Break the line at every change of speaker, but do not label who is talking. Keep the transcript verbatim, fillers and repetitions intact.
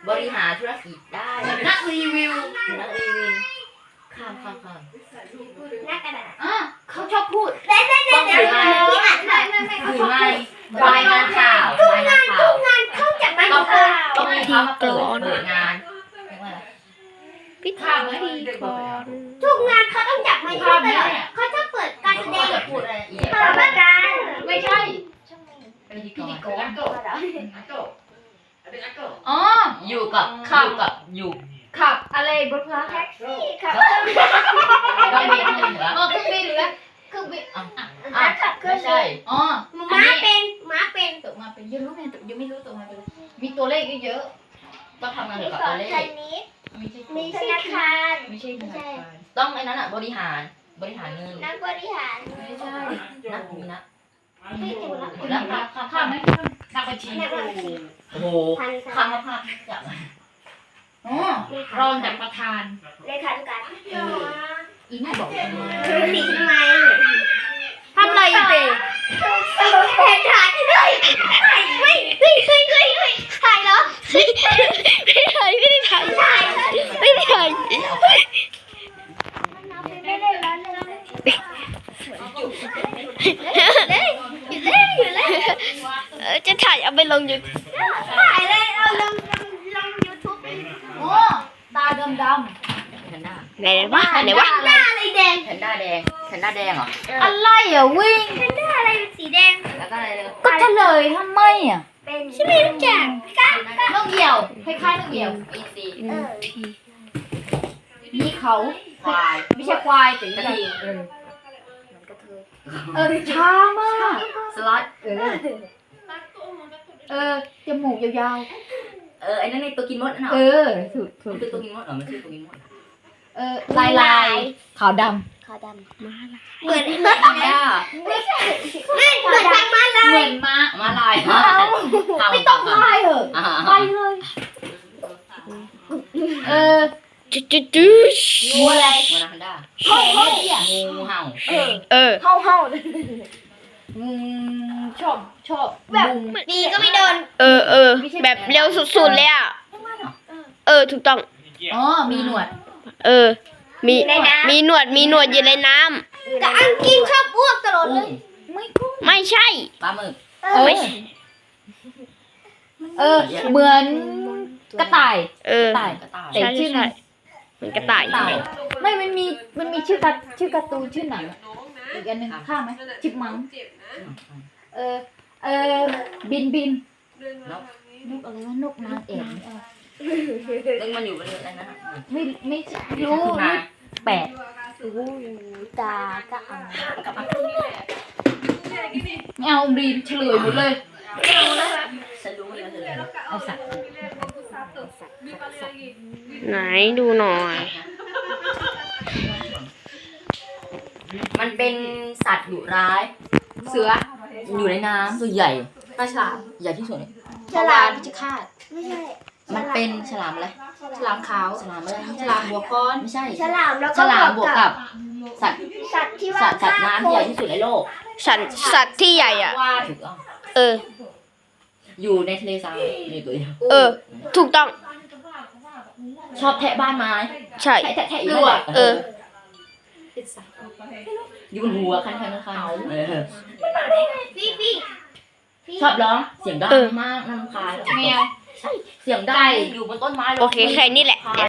บริหารธุรกิจได้นักรีวิวนักรีวิวข้ามข้ามข้าม
นักกระดาษ
อ่ะเขาชอบพูด
เด้เด้เด้เด้ที่อ่านไม่ไม่ไม่เขา
ถือ
ชอบ
ไม่รายงานข่าวรายงานข่าว
งานเข้าจากบ้าน
ต้อง
ข่าว
ต้องมีเขามาเปิดเปิดงานเรียกว่าอะไร
พิธีกร
ทุกงานเขาต้องจับไมค์ตลอดเขาจะเปิดการแสดง
จะพูดอะไรละเอียด
เปิดประการ
ไม่ใช่
พิธีก
พิธีก
ร
รอ๋อ
อยู่กับอยู่กับอยู่
ขับอะไรบนฟ้า
แท็กซี่ครับ
ก็มีคนอื่นเหรอ
เออเครื่องบินหรือเครื่องบิน
อ่ะ
ม้าขับเคลื่
ไม่
อน
ใช่
อ๋อ
ม้าเป็นม้าเป็น
ตกมาเป็นยังรู้ไงตกยังไม่รู้ตกมาเป็นมีตัวเลขเยอะ
ต้องทำงาน
มี
เกี่ยวกับ
สอ
ตั
น
วเล
ช
ข
นิด
ๆไม่ใช่
มีธนาคาร
ไม่ใช่ธนาคาร
ต้องไอ้นั้นอ่ะบริหารบริหารเงิน
นักบริหาร
ไม่ใช่
นักมีนัก
ไม่ถูกละ
หมดแล้วครับ
ข้ามข้ามไหมนักบัญชี
นักบัญชี
โอ้โห
พัน
ข้า
ธาม
ภาพอย่าง
อ๋อรองจากประธาน
เลขาธิการ
อีน่าบอกทำไม
สีทำไม
ทำอะไรเตะ
แทนถ่ายเฮ้ยเฮ้ยเฮ้ยเฮ้ยเฮ้ยเฮ้ยถ่ายเหรอ
ไม่ถ่ายไม่ได้ถ่าย
ถ่าย
ไม่ได้ถ่าย
ไม่ได้ร้อนเลยอยู่เล่นอยู่เล่น
เออจะถ่ายเอาไปลงยู
ถ่ายเลยเอาลงลงยูทูบ
โอ้ตาดำด
แพนด้า
ำไหนวะไหนวะ
หน้าอะไรแดง
แพนด้าแดงแพนด้าแดงเหรอ
อะไรอ่ะวิ่ง
เป็นหน้าอะไรเป็นสีแดง
แล้วก็อะไรเลย
ก็เฉลยทำไมอ่ะ
เป็นใช่ไหมทุกอย่างก้าก้าน
กเหยี่ยวคล้ายๆนกเหยี่ยว
อีซี
เออ
มีเขา
ควาย
ไม่ใช่ควายแต่
กระ
ใหญ่
ทิง
เออช้ามาก
สล็อต
เออเออจมูกยาว
เออไอ้นั่นในตัวกินมดนั่นเหร
ๆเอ
อ
อถูกถู
มั
ก
นคือตัวกินมดเหรอมันคือตัวกินมด
เออลายลายขาวด
ขาวดำ
ำมา
เหมือนเหมือน
แพนด้า
ไม่ใช่ไม่เหมือนทางม้าลา
เหมื
ย
อนม้า
มาลาย
ไม่ต้องลายเหอะ
อ่า
ไปเลยเออจุดจุดจุด
งูอะไรงูนาแพนด้า
เฮ้ยเฮ้ยอ่ะ
งูเห่า
เออ
เออ
เห่าเห่าอืมชอบชอบแบบ
ดีก็ไม่โดน
เออเออ แบบเร็วสุดๆเลยอ่ะ เออ ถูกต้อง
อ๋อมีหนวด
เออ มีมีหนวดมีหนวดอยู่ในน้
แต่อังกินชอบอ้วกตลอดเล
กุ้ง
ย
ไม่กุ้ง
ำไม่ใช่
ปลาหมึก
เอ
เอ
อ
อเออเหมือนกระต่าย
เออ
ตาย
กระต่าย
แต่
ใช่
ชื่อ
ใช่เหมือนกระต่าย
ต่ายไม่มันมีมันมีชื่อการชื่อการ์ตูนชื่อหนังอะอีกอันหนึ่งข้ามไหมชิปมังเออเออบินบิน
นก
นกอะไรวะนกนางแอ่นเออ
ซึ่งมันอยู่บนอะไรนะ
ไม่ไม่รู้รู้แปด
ตาก็เอา
ไม่เอาบีมเฉลยหมดเลย
ฉันรู้มันคืออะไร
เอาสัตว์
ไหนดูหน่อย
มันเป็นสัตว์ดุร้าย
เสือ
อยู่ในน้ำตัวใหญ่
ปลาฉลาม
ใหญ่ที่สุด
ฉลาม
พิชคาต
ไม่ใช่
มันเป็นฉลามอะไร
ฉลามขาว
ฉลามอะไร
ฉลามหัวค้อน
ไม่ใช่
ฉลามแล้ว
ฉ
ก็
ลามบวกกับ สัตว์
สัตว์ที่ว่า
สัตว์สัตว์น้ำที่ใหญ่ที่สุดในโลก
สัตว์สัตว์ที่ใหญ่อ่ะ
ว่า
ถูกต้อง
เออ
อยู่ในทะเลทรายมีตัวเดียว
เออ ถูกต้อง
ชอบแทะบ้านไม้
ใช่
แทะแทะแทะอยู่นั่นแหละ
เออ
อยู่บนหัวคันคันคันเออ
ฟี่ฟี่
ชอบร้องเสียงดัง
เออ
มากน่ารำคาญ
แมว
เสียงดังอยู่บนต้นไม้ร้ง
โอเคแค่นี้แหละ